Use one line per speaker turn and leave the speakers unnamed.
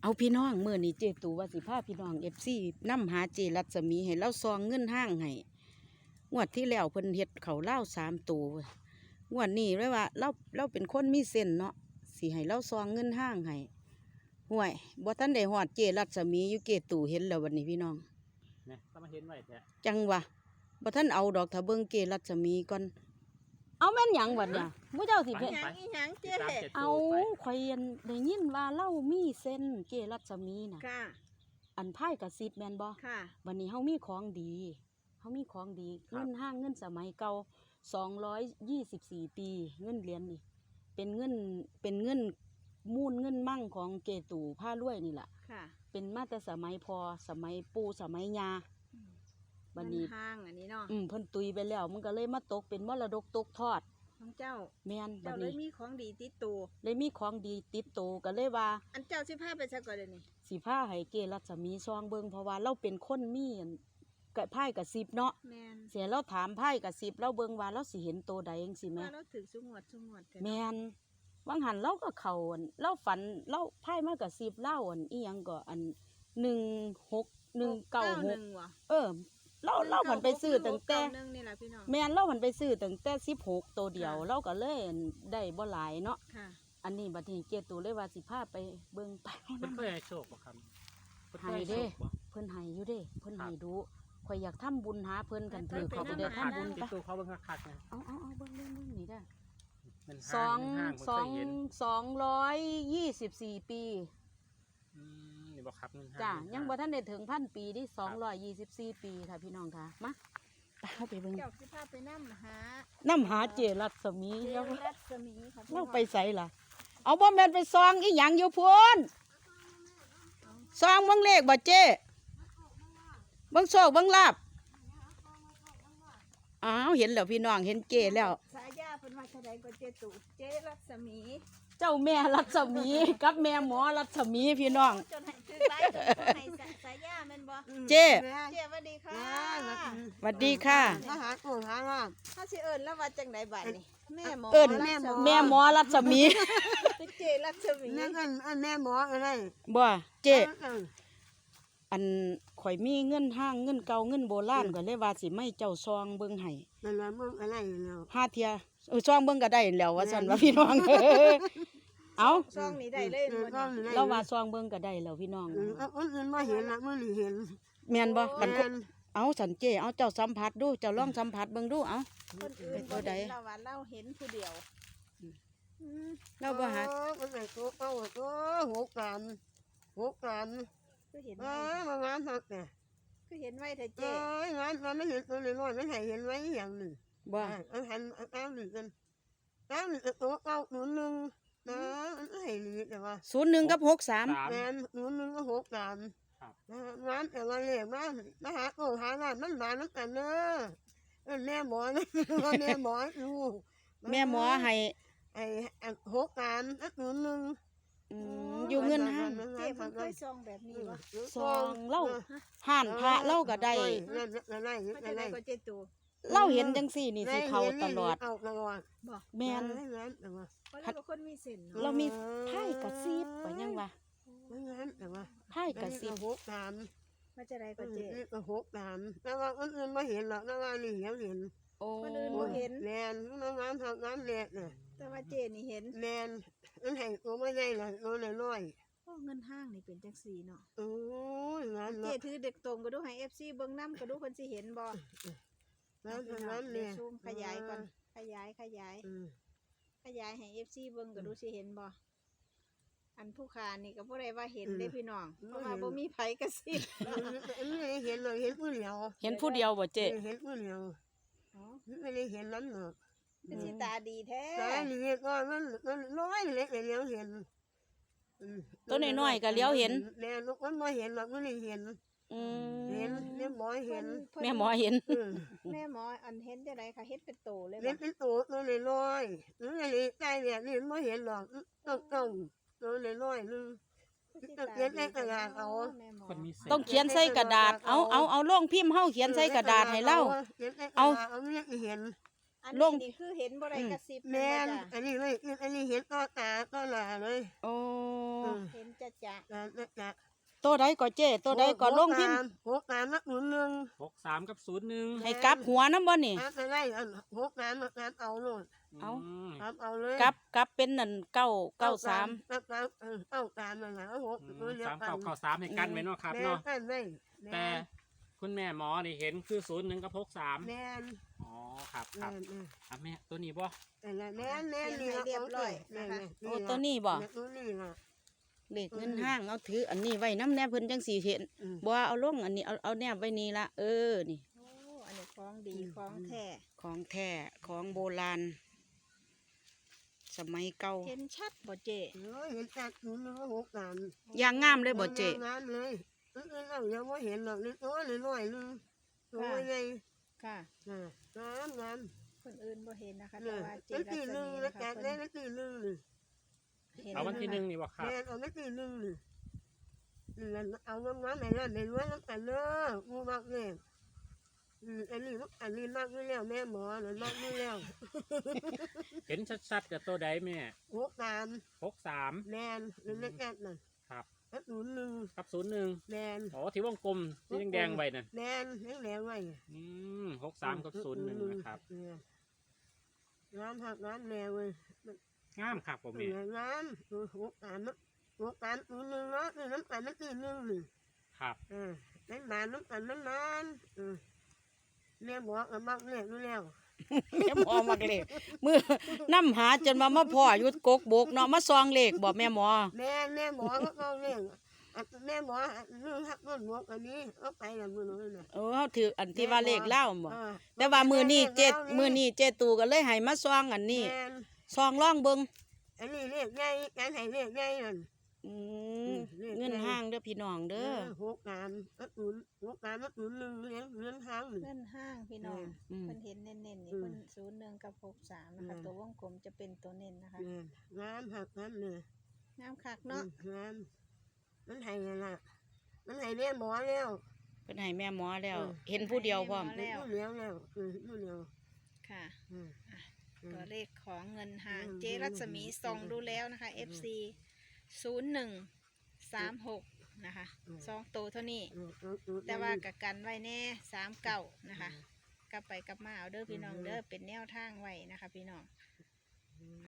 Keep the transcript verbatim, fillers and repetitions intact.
เอาพี่น้องมื้อนี้เจตูว่าสิพาพี่น้อง เอฟ ซี นำหาเจรัศมีให้เราซองเงินห้างให้งวดที่แล้วเพิ่นเฮ็ดเขาเล่าสามตัวงวดนี้เลยว่าเราเราเป็นคนมีเส้นเนาะสิให้เราซองเงินห้างให้ห่วยบ่ทันได้ฮอดเจรัศมีอยู่เจตูเห็นแล้ววันนี้พี่น้อง
เนี่ยก็มาเห็นไว้แท้
จังวะบ่ทันเอาดอกถ้าเบิ่งเจรัศมีก่อนเอาแม่นหยังบัดเนี่ยผู้เจ้าสิเพิ่น
หยังอีหยังเจ๊
เอาข่อยได้ยินว่าเล่ามีเส้นเจรัศมีน่ะ
ค่ะ
อันไพ่กับซิบแมนบ่
ค่ะ
วันนี้เฮามีของดีเฮามีของดีเงินห้างเงินสมัยเก่าสองร้อยยี่สิบสี่ปีเงินเหรียญนี่เป็นเงินเป็นเงินมูลเงินมั่งของเกตูผ้ารวยนี่แหละ
ค่ะ
เป็นมาแต่สมัยพอสมัยปู่สมัยยาบัดนี้
ห้างอันนี้เนาะ
อืมเพิ่นตุยไปแล้วมันก็เลยมาตกเป็นมรดกตกทอด
ของเจ้า
แม่นบั
เจ้า
ด
เลย
นี้
มีของดีติดตัว
เลยมีของดีติดโตวก็เลยว่า
อันเจ้าสิพาไปซะก่อนเดี๋ยวนี้
สิผ้าให้เกรัศมีซองเบิงเพราะว่าเราเป็นคนมีอันกะไพ่กับสิบเนาะ
แมน
เสียเราถามไพ่กับสิบเราเบิงว่าเราสิเห็นโตใดเองสิแม่
ว่าเราถึงสุงวดสุงวดเถอะ
แมนวังหันเราก็เขาอันเราฝันเราไพ่มากับสิบเล่าอันอีหยังก็อันหนึ่งหกหนึ่งเก้าหก
นึ่งว่ะ
เออเราเราผันไปซื้อตั้งแต่
หนึ่งนี่แหละพี่น้อง
แมนเราผันไปซื้อตั้งแต่สิบหกตัวเดียว เราก็เลยได้บ่หลายเนาะ
ค่ะ
อันนี้บัดนี้เจตูเลยว่าสิพาไปเบิงไป
เพิ่นเคยให้โชคบ่ครับเพิ่นเค
ให้
ยให้โช
เด้
คบ่
เพิ่นให้อยู่เด้เพิ่น
ครั
ให้
บ
ดูข่อยอยากทำบุญหาเพิ่นกันถือ
ไป
เขา
ไป
จะได้
นำหา
ทำบุญ
ติ
ไป
ดตัวเขาเบิ่งคักๆนะ
เอาเอาเอาเบิ่งเบิ่งเบิ่งนี่ได้
มัน
ส
ห้า
อง ง
ห้าง
สอง
บ่เคยเห็น
สองร้อยยี่สิบสี่ปี
อืมนี่บ่ครับเงินห้าง
จ้ะ
เงิน
ยัง
ห้า
บ่ทันได้ถึงพันปีที่สองร้อยยี่สิบสี่ปีค่ะพี่น้องค่ะมาไปเอาไปเบิ่ง
เจ้าสิพาไปนั่หา
น้ำหาเจรัศมี
เจ
แล้ว
รัศมีค่ะพี่น้
เรา
อง
ไปใส่ล่ะ เอาบ่แม่นไปซองอีหยังอยู่พุ่นซองเบิ่งเลขบ่เจ้เบิ่งโชคเบิ่งลาบอ้าวเห็นแล้วพี่น้องเห็นเจแล้ว
สายาเป็นว่าเท่าใดก็เจตุเจรัศมี
เจ้าแม่รัศมีกับแม่หมอรัศมีพี่น้อง
จนให้คือไรจนให้สายาแม่นบ่
เจ้
เจ้สวัสดีค่ะ
สวัสดีค่ะ
มาหาปู่หาว่า
ถ้าสิเอิญแล้วว่าจังไดบัดนี่แม่หมอ
เอิ้น
รัศ
แม่หมอรัศมี
เจรัศมี
แม่กันอันแม่หมออะไร
บ่เจ้
เออ
อันข่อยมีเงินห้างเงินเก่าเงินโบราณก็เลยว่าสิไม่เจ้าซองเบิ่งให้
นั่นละมึงอะไรแล้ว
ห้าเทียเออซองเบิ่งก็ได้แล้วว่าซั่นว่าพี่น้อง เอา
ซองนี้ได้เลย
เออ
บ่
ก็
นี่
ได้
เราว่าซองเบิ่งก็ได้แล้วพี่น้อง
เออเอาคนอื่นมาเห็นละมื่อนี้เห็น
แม่นบ่กัน
แม่น
เอาสันเจ้เอาเจ้าสัมผัสดูเจ้าลองสัมผัสเบิ่งดูเอา
คนอื่น
เป็นตั
บ่
วใด
เห็นเราว่าเราเห็นผู้เดียวอืม
เราบ่หา
เออมันไหนตัวเอาตัวหกกันหกกัน
คือเห็น
เอ
ไว้
อมางานหักเนี่ย
คือเห็นไว้เถอะ
เอ
เจ้
องานมันไม่เห็นตัวเลยน้อยไม่เห็นเห็นไว้อย่างหนึ่ง
บ่
เอาหันเอาหนึ่งกันเอาหนึ่งตัวเอาหนุนหนึ่งนะมันไม่เห็นเลยแต่ว่า
ศูนย์หนึ่งกับหกสาม
สาม
แมนหนุนหนึ่งก็หกกัน
ครับ
งานแต่ละเรื่องมามาหาโอ้หางานมันมาน้ำกันเนอะเออแม่หมอนะแม่หมอดู
แม่หมอให้
ไอ้อันหกงานอันหนึ่งหนึ่ง
อืมอยู่เงินห้าง
เจ้เพิ่นเคยซองแบบนี้บ่
ซองเล่าห่านพระเล่าก็ได้
นั่นนั่นนั่น
ว่าจะ
นั่น
ได้ก็เจตู
เล่าเห็นจังสี่นี่สิเขาตลอด
เอาตลอด
บ่
แม่น
งั้นแต่ว่า
เพราะเราเป็นคนมีเส้นเนาะ
เรามีไพ่กระซิบว่ายังวะ
งั้นแต่ว่า
ไพ่กระซิบ
หกงาน
ว่าจะได้
ก็
ก็เจ
เจ็ดหกงานแล้วว่าคนอื่นไม่เห็นหรอกแล้วว่านี่เห็นเห็น
โอ้
คนอื่นบ่เห็น
แมนงานทำงานเล็กน่ะ
แต่ว่าเจนี่เห็น
แมนอันให้ตัวไม่ได้เลยตัวน้อย
โอ้เงินห้างนี่เป็นจังซี่เนาะ
ๆโอ้ยงาน
เจ
เนาะ
ถือเด็กตรงก็ดูให้ เอฟ ซี เบิ่งนำก็ดูเพิ่นสิเห็นบ่
งานงาน
เดี๋
เนี่ย
วย ซูมขยายก่อนขยายขยาย
อืม
ขยายให้ เอฟ ซี เบิ่งก็ดูสิเห็นบ่อันผู้ค้านี่ก็บ่ได้ว่าเห็นเด้พี่น้องเพราะว่าบ่มีไผกระซิบ
อันนี้เห็นเลยเห็นผู้เดียว
เห็นผู้เดียวบ่เจ๊
เห็นผู้เดียว
อ๋อ
ไม่ได้เห็นนั้นหรอก
เป็นสิตาดีแท้
แต่นี่ก็มันมันน้อยเล็กเลี้ยวเห็น
ตัวน้อยๆก็เลี้ยวเห็น
แม่ลูกมันไม่เห็นหรอกไม่ได้เห็น
อื
เห็น
ม
เลี้ยหมอเห็น
เพิ่น
แม่หมอเห็น
อืม
แม่หมออันเห็นจังได๋ค่ะเฮ็ดเป็นโตเลย
เลี้ย
บ่
เป็นตัวตัวน้อยๆตัวน้อยๆใกล้เนี่ยนี่ไม่เห็นหรอกต้องต้องตัวน้อยๆนึง เขียนในกระดาษเอา
แม่หมอ
คนมีเส้น
ต้องเขียนใส่กระดาษเอาเอาเอาล่องพิมพ์เฮาเขียนใส่กระดาษให้เล่า
เขียนในกระ
เอา
ดษเอาไม่ได้เห็น
อัน
ล
นี้
ง
นี่คือเห็นบ่ได้
อืม
กระซิบ
แม่น
จ้ะ
อันนี้เลยอันนี้เห็นต่อตาต่อหน้าเลย
โอ้
อืม
เห็นจะจะ
จ้ะจ้ะจ้ะ
ตัวใดก็เจ้ตัวใดก็ลงพิมพ์
หกสามนักหนุนหนึ่ง
หกสามกับศูนย์หนึ่ง
ให้กลับหัวน้ำบ่นี่
น้ำอะไรอันหกน้ำนักน้ำเอาโน่น
เอา
ม
น้ำเอาเลย
กลับกลับเป็นนั่นเก้าเก้าสาม
นักน้ำเออเก้าสามนั่นแหละหก
อืม
ตัวเดียว
สาม
กัน
เก้าเก้าสามให้กันไว้เนาะครับ
แม่
เนาะ
กันเลย
แต่คุณแม่หมอนี่เห็นคือศูนย์หนึ่งกับหกสาม
แม่น
อ๋อครับค
แม่
รับ
นแม่น
อ่ะแม่ตัวนี้บ่
แต่ละแม่นแม่นนี่ละของเอ้ยแม่นแม่น
โอ้ตัวนี้บ่
ตัวนี้ล่ะ
เลขเงินห้างเอาถืออันนี้ไว้น้ำแนบเพิ่นจังสีเห็น
อืม
บ่เอาลงอันนี้เอาเอาแนบไว้นี่ละเออนี่
โอ้อันนี้ของดี
อืม
ของแท้
ของแท้ของโบราณ สมัยเก่า
เห็นชัดบ่เจ
เออเห็นแต่หนุนหนึ่งหกสาม
อย่างงามเลยบ่เจ
งามเลยเออเรายังไม่เห็นหรอกนี่ตัวน้อยๆนึงตัวใหญ่
ค่ะ
อ่าน้ำน้
คนอื่นบ่เห็นนะคะ
ำ
แต่
เนี่ย
ว่าเจ
นั่น
รั
ตี
ศ
หนึ่ง
มี
แล้ว
นะคะ
แกะ
เพิ่
ได้
น
นั่นตีหนึ่งเลย
เห็น
เอาวันที่หนึ่งนี่บ่ครับ
แม่เอานั่นตีหนึ่งเลยนี่เอาน้ำน้ำไหนนั่นไหนรวยน้ำกันเนอะกูมากเลยอืมอันนี้อันนี้มากด้วยแล้วแม่หมอหรือมากด้วยแล้ว
เห็นชัดๆกับตัวใดแม่
หกสาม
หกสาม
แมนหรือเล็กแอดนั่น
ครับ
แล้วหนุนหนึ่ง
กับศูนย์หนึ่ง
แมน
อ๋อที่วงกลมที่แดงๆไว้นั่น
แมนแห้งแรงไว้
อืมหกสามกับศูนย์หนึ่งนะครับ
น้ำผักน้ำแรงเลย
งามครับผม
เห
แม่
ลือน้ำตัวหกสามนะหกสามตัวหนึ่งเนาะนี่น้ำตาลน้ำตีหนึ่งหนึ่ง
ครับ
เออน้ำตาลน้ำตาลน้ำมันเออแม่บอกเอามากเลยรู้แล้ว
แม่หมอมักเลขมือน้ำหาจนมามาพ่ออยู่กกบกเนาะมาซองเลขบ่แม่หมอ
แม่แม่หมอเขาเอาเรื่องอ่ะแม่หมอเรื่องหักต้นหมวกอันนี้เอาไปละมือน้อยน่ะ
เออเฮาถืออันที่ว่าเลขเล่าบ่
เออ
แต่ว่ามือนี้เจ็ดมือนี้เจตูก็เลยให้มาซองอันนี้
แม่น
ซองล่องเบิง
อันนี้เรียกไงการให้เรียกไงนั่น
อืม
อืมเลข
เงิน
ไง
ห้างเด้อพี่น้องเด้อ
หกสามนัดหนุนหกสามนัดหนุนหนึ่งเลี้ยงเลี้ยงห้างหนึ่ง
เงินห้างพี่น้อง
อืม
เพิ่นเห็นเน้นๆนี่
อืม
เพิ่นศูนย์หนึ่งกับหกสามนะคะ
อืม
ตัววงกลมจะเป็นตัวเน้นนะคะ
แม่นน้ำหักน้ำเนี่ย
งามคักเนาะ
น้ำมันให้ยังล่ะมันให้แม่หมอแล้ว
เพิ่นให้แม่หมอแล้ว
อืม
เห็นผู้เดียวพร้อม
แล้ว
ผู้เลี้ยงแล้วเออผู้เลี้ยง
ค่ะ
อืม
ตัวเลขของเงินห่าง
อืม
เจรัศมี
อืม
ส่องดูแล้วนะคะ เอฟ ซี ศูนย์หนึ่งสามหกนะคะ
อืม
สองตัวเท่านี้
อืมอืมอืม
แต่ว่ากับกันไว้แน่สามเก่านะคะ กลับไปกลับมาเอาเด้อพี่น้อง
อืม
เด้อเป็นแนวทางไว้นะคะ พี่น้อง